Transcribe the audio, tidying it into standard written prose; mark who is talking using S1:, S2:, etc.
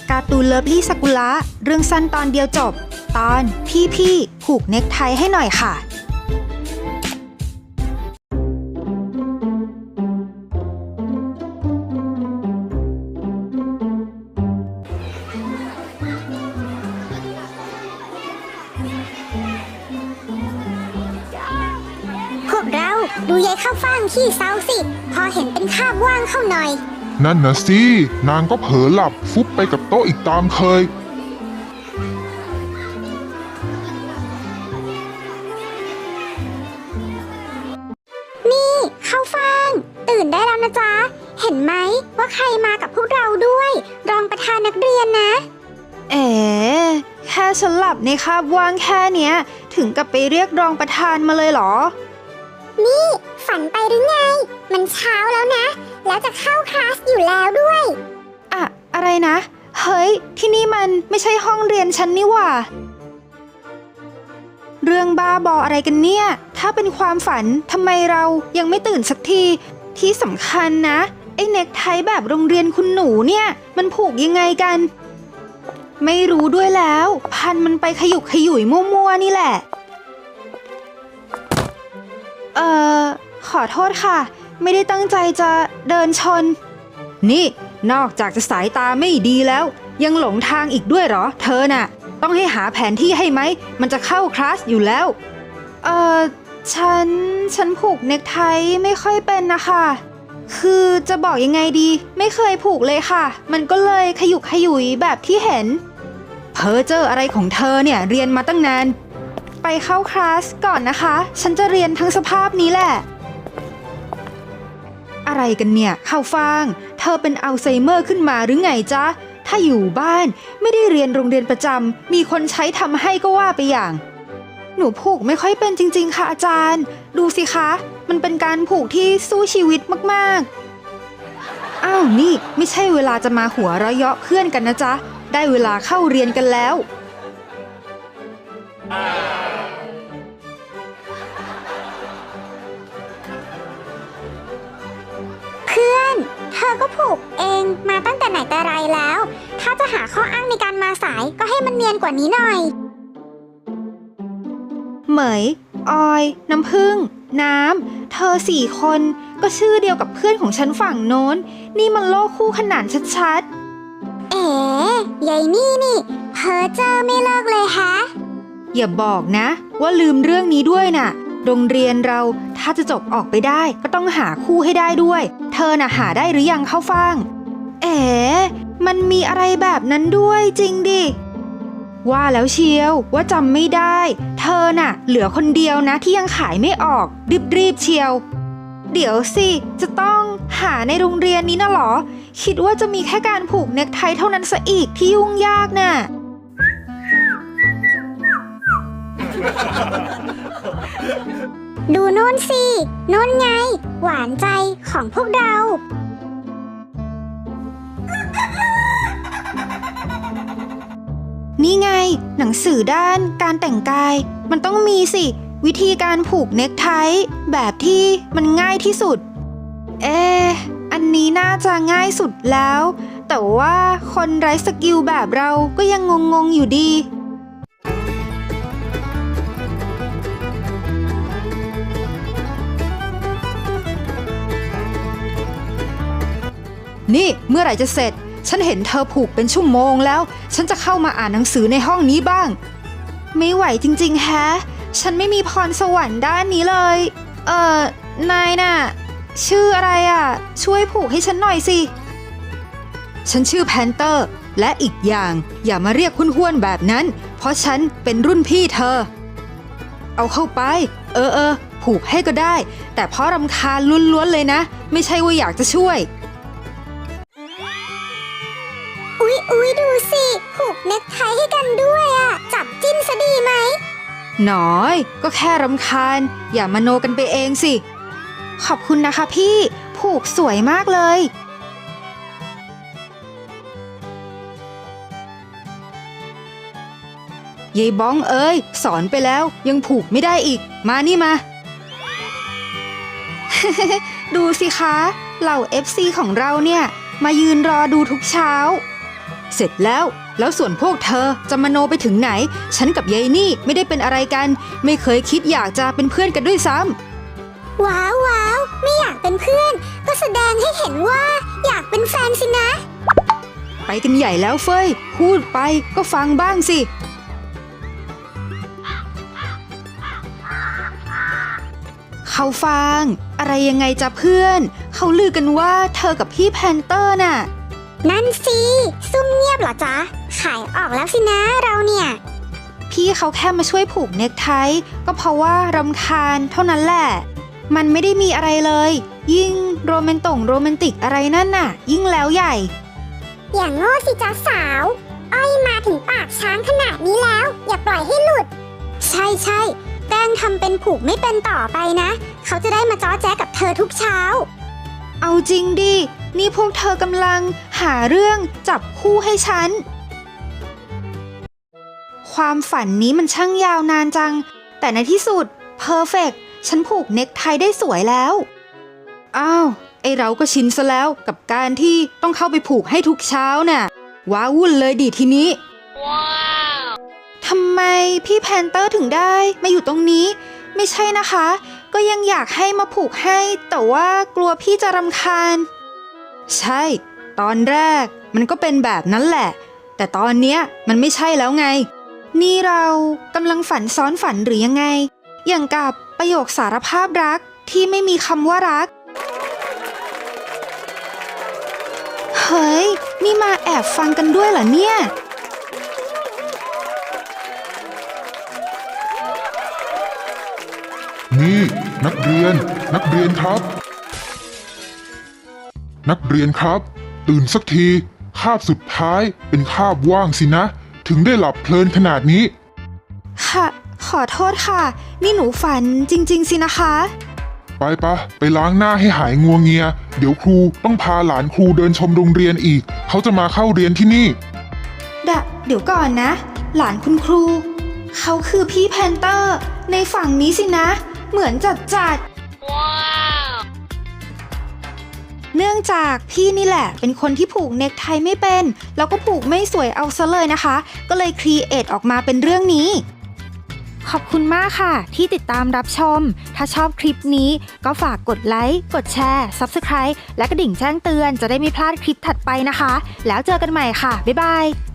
S1: การ์ตูนเลิฟลี่ซากุระเรื่องสั้นตอนเดียวจบตอนพี่ผูกเน็กไทให้หน่อยค่ะ
S2: พวกเราดูยายข้าวฟ่างขี้เศร้าสิพอเห็นเป็นคาบว่างเข้าหน่อย
S3: นั่นนะสินางก็เผลอหลับฟุบไปกับโต๊ะอีกตามเคย
S2: นี่ข้าวฟ่างตื่นได้แล้วนะจ๊ะเห็นไหมว่าใครมากับพวกเราด้วยรองประธานนักเรียนนะ
S1: แค่ฉันหลับในคาบว่างแค่เนี้ยถึงกับไปเรียกรองประธานมาเลยเหรอ
S2: นี่ฝันไปหรือไงมันเช้าแล้วนะแล้วจะเข้าคลาสอยู่แล้วด้วย
S1: อะไรนะเฮ้ยที่นี่มันไม่ใช่ห้องเรียนฉันนี่หว่าเรื่องบ้าบออะไรกันเนี่ยถ้าเป็นความฝันทำไมเรายังไม่ตื่นสักทีที่สำคัญนะไอ้เน็กไทแบบโรงเรียนคุณหนูเนี่ยมันผูกยังไงกันไม่รู้ด้วยแล้วพันมันไปขยุกขยุยมั่วๆนี่แหละขอโทษค่ะไม่ได้ตั้งใจจะเดินชนนี่นอกจากจะสายตาไม่ดีแล้วยังหลงทางอีกด้วยเหรอเธอน่ะต้องให้หาแผนที่ให้ไหมมันจะเข้าคลาสอยู่แล้วฉันผูกเน็กไทไม่ค่อยเป็นนะคะคือจะบอกยังไงดีไม่เคยผูกเลยค่ะมันก็เลยขยุกขยุยแบบที่เห็นเพ้อเจ้ออะไรของเธอเนี่ยเรียนมาตั้งนานไปเข้าคลาสก่อนนะคะฉันจะเรียนทั้งสภาพนี้แหละอะไรกันเนี่ยข้าวฟ่างเธอเป็นอัลไซเมอร์ขึ้นมาหรือไงจ๊ะถ้าอยู่บ้านไม่ได้เรียนโรงเรียนประจำมีคนใช้ทำให้ก็ว่าไปอย่างหนูผูกไม่ค่อยเป็นจริงๆค่ะอาจารย์ดูสิคะมันเป็นการผูกที่สู้ชีวิตมากๆอ้าวนี่ไม่ใช่เวลาจะมาหัวเราะเยาะเพื่อนกันนะจ๊ะได้เวลาเข้าเรียนกันแล้ว
S2: เพื่อนเธอก็ผูกเองมาตั้งแต่ไหนแต่ไรแล้วถ้าจะหาข้ออ้างในการมาสายก็ให้มันเนียนกว่านี้หน่อย
S1: เหมยออยน้ำผึ้งน้ำเธอ4 คนก็ชื่อเดียวกับเพื่อนของฉันฝั่งโน้นนี่มันโลกคู่ขนานชัด
S2: ยายนี่เพ้อเจ้อไม่เลิกเลยฮะ
S1: อย่าบอกนะว่าลืมเรื่องนี้ด้วยน่ะโรงเรียนเราถ้าจะจบออกไปได้ก็ต้องหาคู่ให้ได้ด้วยเธอน่ะหาได้หรือยังข้าวฟ่างมันมีอะไรแบบนั้นด้วยจริงดิว่าแล้วเชียวว่าจำไม่ได้เธอน่ะเหลือคนเดียวนะที่ยังขายไม่ออกรีบเชียวเดี๋ยวสิจะต้องหาในโรงเรียนนี้นะหรอคิดว่าจะมีแค่การผูกเน็กไทเท่านั้นซะอีกที่ยุ่งยากน่ะ
S2: ดูโน่นสิโน่นไงหวานใจของพวกเรา
S1: นี่ไงหนังสือด้านการแต่งกายมันต้องมีสิวิธีการผูกเน็กไทแบบที่มันง่ายที่สุดอันนี้น่าจะง่ายสุดแล้วแต่ว่าคนไร้สกิลแบบเราก็ยังงงอยู่ดีนี่เมื่อไหร่จะเสร็จฉันเห็นเธอผูกเป็นชั่วโมงแล้วฉันจะเข้ามาอ่านหนังสือในห้องนี้บ้างไม่ไหวจริงๆแฮะฉันไม่มีพรสวรรค์ด้านนี้เลยนายน่ะชื่ออะไรอ่ะช่วยผูกให้ฉันหน่อยสิฉันชื่อแพนเตอร์และอีกอย่างอย่ามาเรียกห้วนๆแบบนั้นเพราะฉันเป็นรุ่นพี่เธอเอาเข้าไปผูกให้ก็ได้แต่เพราะรำคาญล้วนๆเลยนะไม่ใช่ว่าอยากจะช่วย
S2: อุ๊ยดูสิผูกเน็กไทให้กันด้วยอ่ะจับจิ้นซะดีไหม
S1: หน่อยก็แค่รำคาญอย่ามโนกันไปเองสิขอบคุณนะคะพี่ผูกสวยมากเลยยายบ้องเอ้ยสอนไปแล้วยังผูกไม่ได้อีกมานี่มา ดูสิคะเหล่า FC ของเราเนี่ยมายืนรอดูทุกเช้าเสร็จแล้วส่วนพวกเธอจะมโนไปถึงไหน ฉันกับยายนี่ไม่ได้เป็นอะไรกัน ไม่เคยคิดอยากจะเป็นเพื่อนกันด้วยซ้ำ
S2: ว้าวว้าวไม่อยากเป็นเพื่อน ก็แสดงให้เห็นว่าอยากเป็นแฟนสินะ
S1: ไปกันใหญ่แล้วเฟยพูดไปก็ฟังบ้างสิเขาฟังอะไรยังไงจ๊ะเพื่อนเขาลือกันว่าเธอกับพี่แพนเตอร์น่ะ
S2: นั่นสิซุ่มเงียบเหรอจ๊ะขายออกแล้วสินะเราเนี่ย
S1: พี่เขาแค่มาช่วยผูกเนคไทก็เพราะว่ารำคาญเท่านั้นแหละมันไม่ได้มีอะไรเลยยิ่งโรแมนติกอะไรนั่นน่ะยิ่งแล้วใหญ่
S2: อย่างโง่สิจ๊ะสาวอ้อยมาถึงปากช้างขนาดนี้แล้วอย่าปล่อยให้หลุดใช่แป้งทำเป็นผูกไม่เป็นต่อไปนะเขาจะได้มาจ้อแจ๊กับเธอทุกเช้า
S1: เอาจริงดินี่พวกเธอกำลังหาเรื่องจับคู่ให้ฉันความฝันนี้มันช่างยาวนานจังแต่ในที่สุดเพอร์เฟกต์ฉันผูกเน็กไทได้สวยแล้วอ้าวไอเราก็ชินซะแล้วกับการที่ต้องเข้าไปผูกให้ทุกเช้าน่ะว้าวุ่นเลยดิทีนี้ทำไมพี่แพนเตอร์ถึงได้มาอยู่ตรงนี้ไม่ใช่นะคะก็ยังอยากให้มาผูกให้แต่ว่ากลัวพี่จะรำคาญใช่ตอนแรกมันก็เป็นแบบนั้นแหละแต่ตอนเนี้ยมันไม่ใช่แล้วไงนี่เรากำลังฝันซ้อนฝันหรือยังไงอย่างกับประโยคสารภาพรักที่ไม่มีคำว่ารักเฮ้ยนี่มาแอบฟังกันด้วยเหรอเนี่ย
S3: นี่นักเรียนครับ นักเรียนครับ ตื่นสักทีคาบสุดท้ายเป็นคาบว่างสินะถึงได้หลับเพลินขนาดนี้
S1: ค่ะขอโทษค่ะนี่หนูฝันจริงๆสินะคะ
S3: ไปล้างหน้าให้หายงัวเงียเดี๋ยวครูต้องพาหลานครูเดินชมโรงเรียนอีกเขาจะมาเข้าเรียนที่นี่
S1: เดี๋ยวก่อนนะหลานคุณครูเขาคือพี่แพนเตอร์ในฝั่งนี้สินะเหมือนจัดว้าวเนื่องจากพี่นี่แหละเป็นคนที่ผูกเน็กไทไม่เป็นแล้วก็ผูกไม่สวยเอาซะเลยนะคะก็เลยครีเอทออกมาเป็นเรื่องนี้ขอบคุณมากค่ะที่ติดตามรับชมถ้าชอบคลิปนี้ก็ฝากกดไลค์กดแชร์ Subscribe และกระดิ่งแจ้งเตือนจะได้ไม่พลาดคลิปถัดไปนะคะแล้วเจอกันใหม่ค่ะบ๊ายบาย